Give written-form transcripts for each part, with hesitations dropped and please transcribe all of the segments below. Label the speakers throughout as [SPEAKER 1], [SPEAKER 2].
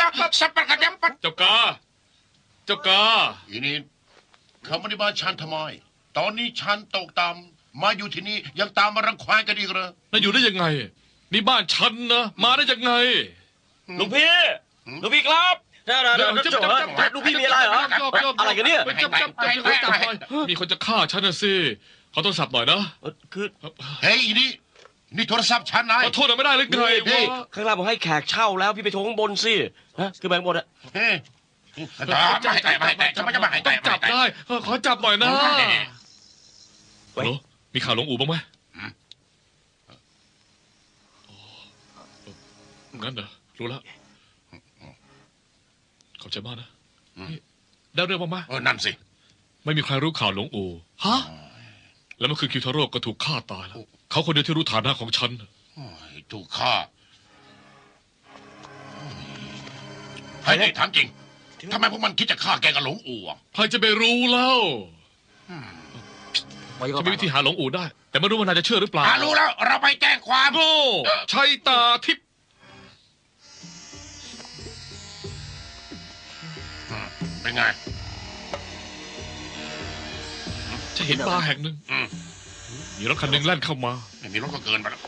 [SPEAKER 1] สับปะกระเด็มปัด
[SPEAKER 2] เจ้ากา
[SPEAKER 1] อีนี่เขาไม่ได้มาฉันทำไมตอนนี้ฉันตกต่ำมาอยู่ที่นี่ยังตามมารังควานกันอีกเหรอ
[SPEAKER 2] น่าอยู่ได้ยังไงนี่บ้านฉันนะมาได้ยังไง
[SPEAKER 3] ลูกพี่ครับลูกพี่มีอะไรเหรออะไรกันเนี่ย
[SPEAKER 2] มีคนจะฆ่าฉันนะสิขอโทรศัพท์หน่อยนะ
[SPEAKER 3] คือ
[SPEAKER 1] เฮ้ยอีนี่โทรศัพท์ฉันนาย
[SPEAKER 2] ขอโทษไม่ได้เลยไง
[SPEAKER 3] ข้างล่างผมให้แขกเช่าแล้วพี่ไปโทรข้างบนสิฮะคือแบงค์บนอะ
[SPEAKER 2] ต้องจับได้ขอจับหน่อยนะโอ้มีข่าวหลงอู่บ้างไหมงั้นเหรอรู้แล้วขอบใจมากนะได้เรื่องบ้างไหม
[SPEAKER 1] นั่นสิ
[SPEAKER 2] ไม่มีใครรู้ข่าวหลงอู่ฮะแล้วเมื่อคืนคิวทาโร่ก็ถูกฆ่าตายแล้วเขาคนเดียวที่รู้ฐานะของฉัน
[SPEAKER 1] ถูกฆ่าให้ได้ถามจริงทำไมพวกมันคิดจะฆ่าแกกับหลงอู่
[SPEAKER 2] ใครจะไปรู้แล้วฉันมีวิธีหาหลงอู่ได้แต่ไม่รู้ว่านายจะเชื่อหรือเปล่า
[SPEAKER 1] รู้แล้วเราไปแจ้งความ
[SPEAKER 2] โง่ชัยตาทิพย์
[SPEAKER 1] เป็นไง
[SPEAKER 2] จะเห็นบาร์แห่งหนึ่งมีรถคันหนึ่งแล่นเข้ามา
[SPEAKER 1] ไม่มีรถก็เกินไปแล้ว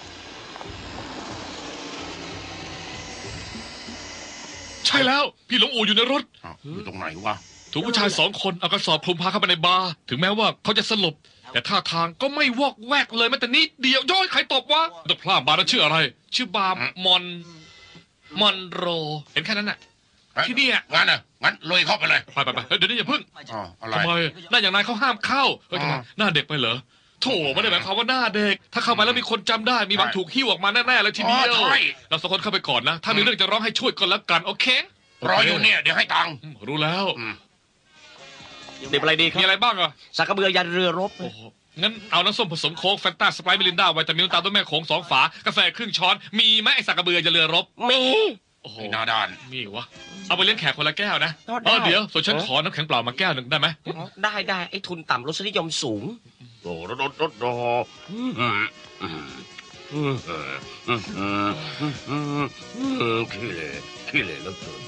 [SPEAKER 2] ใช่แล้วพี่หลงอู่อยู่ในรถ
[SPEAKER 1] อยู่ตรงไหนวะ
[SPEAKER 2] ถูกผู้ชาย2 คนเอากระสอบคลุมพาเข้าไปในบาร์ถึงแม้ว่าเขาจะสลบแต่ท่าทางก็ไม่วอกแวกเลยแม้แต่นิดเดียวย้อยใครตบวะตัวพลาดบาร์นั้นชื่ออะไรชื่อบาร์มอนโรเห็นแค่นั้นน่ะที่นี่
[SPEAKER 1] งั้นเลยเข้าไปเลย
[SPEAKER 2] ไปเดี๋ยวนี้อย่าพึ่งทำไมหน้าอย่างนายเขาห้ามเข้าเฮ้ยทำไมหน้าเด็กไปเหรอโถไม่ได้หมายความว่าหน้าเด็กถ้าเข้าไปแล้วมีคนจำได้มีหวังถูกหิ้วออกมาแน่ๆเลยทีเดียวเรา2 คนเข้าไปก่อนนะถ้ามีเรื่องจะร้องให้ช่วยกันแล้วกันโอเค
[SPEAKER 1] รออยู่เนี่ยเดี๋ยวให้ตังค์
[SPEAKER 2] รู้แล้ว
[SPEAKER 3] เด็กอะไรดีครับ
[SPEAKER 2] มีอะไรบ้างอ่ะ
[SPEAKER 3] สักกระเบือยันเรือรบ
[SPEAKER 2] งั้นเอาน้ำส้มผสมโค้กแฟนตาสไปร์มิลินดาไวตามิลตาต้นแม่โขง2 ฝากาแฟครึ่งช้อนมีไหมไอสักกระเบือยันเรือรบ
[SPEAKER 3] มี
[SPEAKER 2] โอ้โห
[SPEAKER 1] หน้าด้าน
[SPEAKER 2] มีวะเอาไปเลี้ยงแขกคนละแก้วนะเดี๋ยวส่วนฉันขอน้ำแข็งเปล่ามาแก้วหนึ่งได้ไหม
[SPEAKER 3] ได้ไอ้ทุนต่ำรสนิยมสูง
[SPEAKER 1] โอ้รขี้เลยแล้วเกิน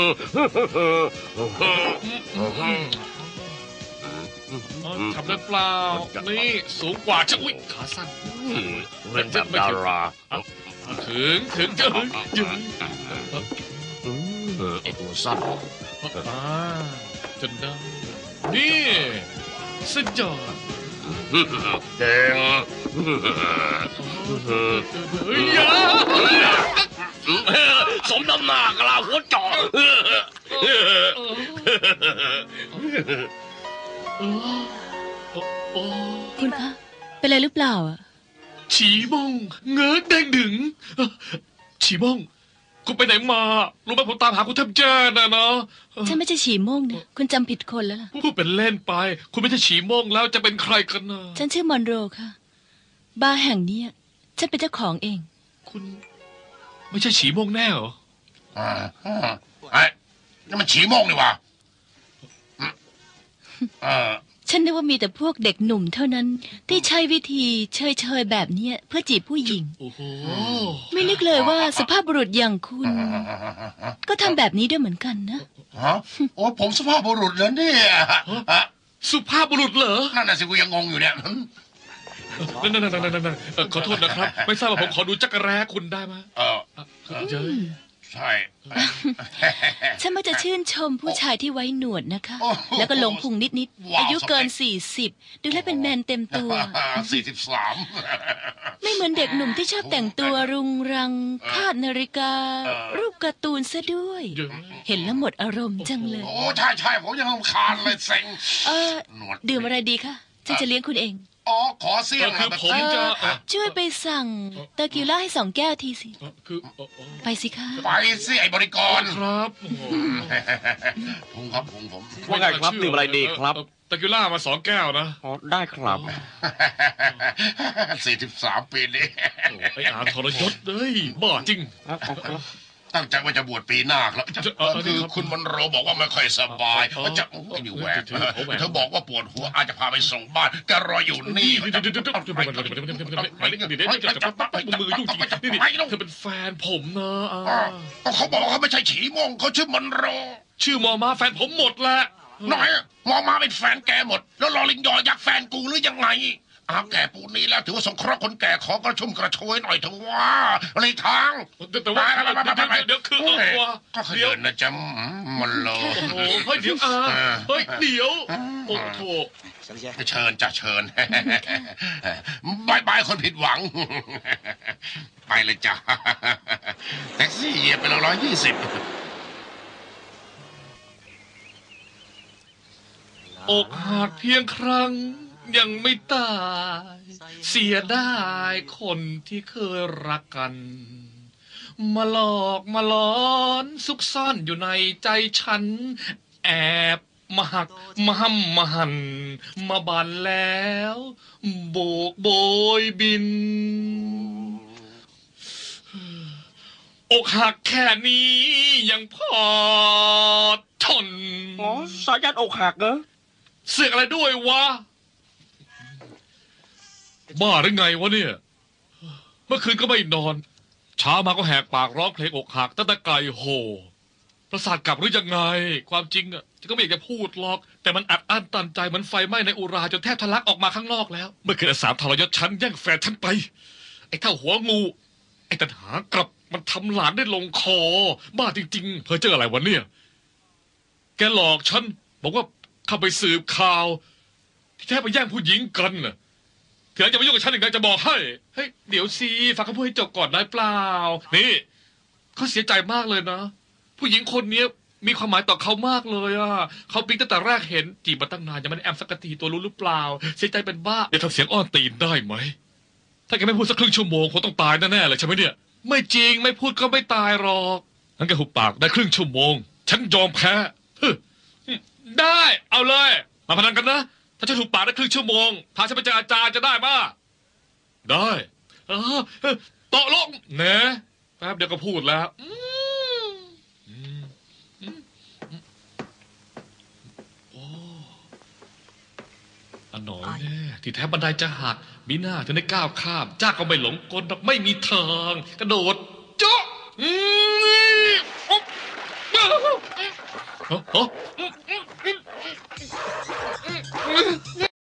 [SPEAKER 2] ทำได้เปล่านี่สูงกว่าจะอุ้ยขาสั้น
[SPEAKER 1] เล่นแบบดารา
[SPEAKER 2] ถึง
[SPEAKER 1] ไอตัวสั้น
[SPEAKER 2] จนได้นี่สุดยอด
[SPEAKER 1] เก่งสมน้ำหนักเราหัวจ่อ
[SPEAKER 4] คุณคะเป็นอะไรหรือเปล่าอ่ะ
[SPEAKER 2] ฉีม่งเงื้อแดงดึงฉีม่งคุณไปไหนมารู้ไหมผมตามหาคุณแทบแย่นะเนาะ
[SPEAKER 4] ฉันไม่ใช่ฉีม่งนะคุณจำผิดคนแล้วล่ะ
[SPEAKER 2] พูดเป็นเล่นไปคุณไม่ใช่ฉีม่งแล้วจะเป็นใครกันนะ
[SPEAKER 4] ฉันชื่อมอนโรค่ะบาร์แห่งนี้ฉันเป็นเจ้าของเอง
[SPEAKER 2] คุณไม่ใช่ฉีม่งแน่เหรอ
[SPEAKER 1] ไอ้นี่มันฉีม่งนี่วะ
[SPEAKER 4] ฉันนึกว่ามีแต่พวกเด็กหนุ่มเท่านั้นที่ใช้วิธีเชยแบบนี้เพื่อจีบผู้หญิงไม่นึกเลยว่าสุภาพบุรุษอย่างคุณก็ทำแบบนี้ด้วยเหมือนกันนะ
[SPEAKER 1] โอ้ผมสุภาพบุรุษเหรอเนี่ย
[SPEAKER 2] สุภาพบุรุษเหรอ
[SPEAKER 1] นั่นน่ะสิกูยังงงอยู่เนี่ย
[SPEAKER 2] นั่นขอโทษนะครับไม่ทราบว่าผมขอดูจักรแร้คุณได้ไหมเย้
[SPEAKER 1] ใช่
[SPEAKER 4] ฉันมักจะชื่นชมผู้ชายที่ไว้หนวดนะคะแล้วก็หลงพุงนิดอายุเกิน40ดูแลเป็นแมนเต็มตัว
[SPEAKER 1] 43
[SPEAKER 4] ไม่เหมือนเด็กหนุ่มที่ชอบแต่งตัวรุงรังคาดนาฬิกา รูปการ์ตูนซะด้วยเห็นแล้วหมดอารมณ์จังเลย
[SPEAKER 1] โอ้ใช่ผมยังรำคาญเลยเซ็ง
[SPEAKER 4] ดื่มอะไรดีคะฉันจะเลี้ยงคุณเอง
[SPEAKER 1] ขอเสี่ยง
[SPEAKER 2] คือผมจะ
[SPEAKER 4] ช่วยไปสั่งเตอร์กิวล่าให้2 แก้วทีสิไปสิคะ
[SPEAKER 1] ไปสิไอ้บริกร
[SPEAKER 2] ครับ
[SPEAKER 1] ผมครับ
[SPEAKER 3] ว่าไงครับดื่มอะไรดีครับ
[SPEAKER 2] เตอร์กิวล่ามา2 แก้วนะ
[SPEAKER 3] ได้ครับ
[SPEAKER 1] 43 ปีนี้
[SPEAKER 2] ไอ้อาทรยศเลยบ้าจริง
[SPEAKER 1] ตั้งใจว่าจะบวชปีหน้าครับคือคุณมนโรบอกว่าไม่ค่อยสบายจะอยู่แหวกเธอบอกว่าปวดหัวอาจจะพาไปส่งบ้านแกรออยู่นี่
[SPEAKER 2] มือยุ่งจริงนี่เธอเป็นแฟนผมนะ
[SPEAKER 1] เขาบอกเขาไม่ใช่ฉีมงเขาชื่อมนโร
[SPEAKER 2] ชื่อมอมาแฟนผมหมดแหละ
[SPEAKER 1] หน่อยมอมาเป็นแฟนแกหมดแล้วลอลิงยออยากแฟนกูหรือยังไงแก่ปูนี้แล้วถือว่าสงเคราะห์คนแก่ขอกระชุ่มกระชวยหน่อยเถอะว่าอะไรทาง
[SPEAKER 2] แต่ว่าเดี๋ยวคือ
[SPEAKER 1] ก็เดี๋ยวนะจ๊ะมันโล
[SPEAKER 2] เฮ้ยเดี๋ยวเฮ้ยเดี๋ยวโอ้โห
[SPEAKER 1] เชิญจะเชิญบายคนผิดหวังไปเลยจ้ะแท็กซี่เหยียบไปแล้ว120
[SPEAKER 2] อกหักเพียงครั้งยังไม่ตายเสียได้คนที่เคยรักกันมาหลอกมาหลอนซุกซ่อนอยู่ในใจฉันแอบมาหักมาห้ำมาหันมาบันแล้วโบกโบยบินอกหักแค่นี้ยังพอทน
[SPEAKER 3] สายันอกหักเหรอ
[SPEAKER 2] เสือกอะไรด้วยวะบ้าหรือไงวะเนี่ยเมื่อคืนก็ไม่นอนเช้ามาก็แหกปากร้องเพลงอกหักตั้งแต่ไกลโหประสาทกลับหรือยังไงความจริงอ่ะก็ไม่อยากจะพูดหรอกแต่มันอัดอั้นตันใจเหมือนไฟไหม้ในอุราจนแทบทะลักออกมาข้างนอกแล้วเมื่อคืน3ทรยศฉันแย่งแฟนฉันไปไอ้เท่าหัวงูไอ้ตันหากลับมันทำหลานได้ลงคอบ้าจริงๆเพ้อเจ้ออะไรวะเนี่ยแกหลอกฉันบอกว่าเข้าไปสืบข่าวที่แท้ไปแย่งผู้หญิงกันน่ะเถื่อนจะมายุ่งกับฉันอีกไงจะบอกให้เฮ้ยเดี๋ยวสิฟังเขาพูดให้จบก่อนได้เปล่านี่เขาเสียใจมากเลยนะผู้หญิงคนนี้มีความหมายต่อเขามากเลยอ่ะเขาปิ๊งตั้งแต่แรกเห็นจีบมาตั้งนานยังไม่ได้แอมสักทีตัวรู้หรือเปล่าเสียใจเป็นบ้าเดี๋ยวทำเสียงอ้อนตีนได้ไหมถ้าแกไม่พูดสักครึ่งชั่วโมงคงต้องตายแน่ๆเลยใช่ไหมเนี่ยไม่จริงไม่พูดก็ไม่ตายหรอกงั้นแกหุบปากได้ครึ่งชั่วโมงฉันยอมแพ้ได้เอาเลยมาพนันกันนะถ้าฉันถูกปากได้ครึ่งชั่วโมงพาฉันไปเจออาจารย์จะได้ป่ะได้ต่อลงเนะแป๊บเดียวก็พูดแล้วโอ้อันหน่อยแน่ที่แท้บันไดจะหักมีหน้าถึงได้ก้าวข้ามจ้าก็ไม่หลงกลไม่มีทางกระโดดโจ๊ะ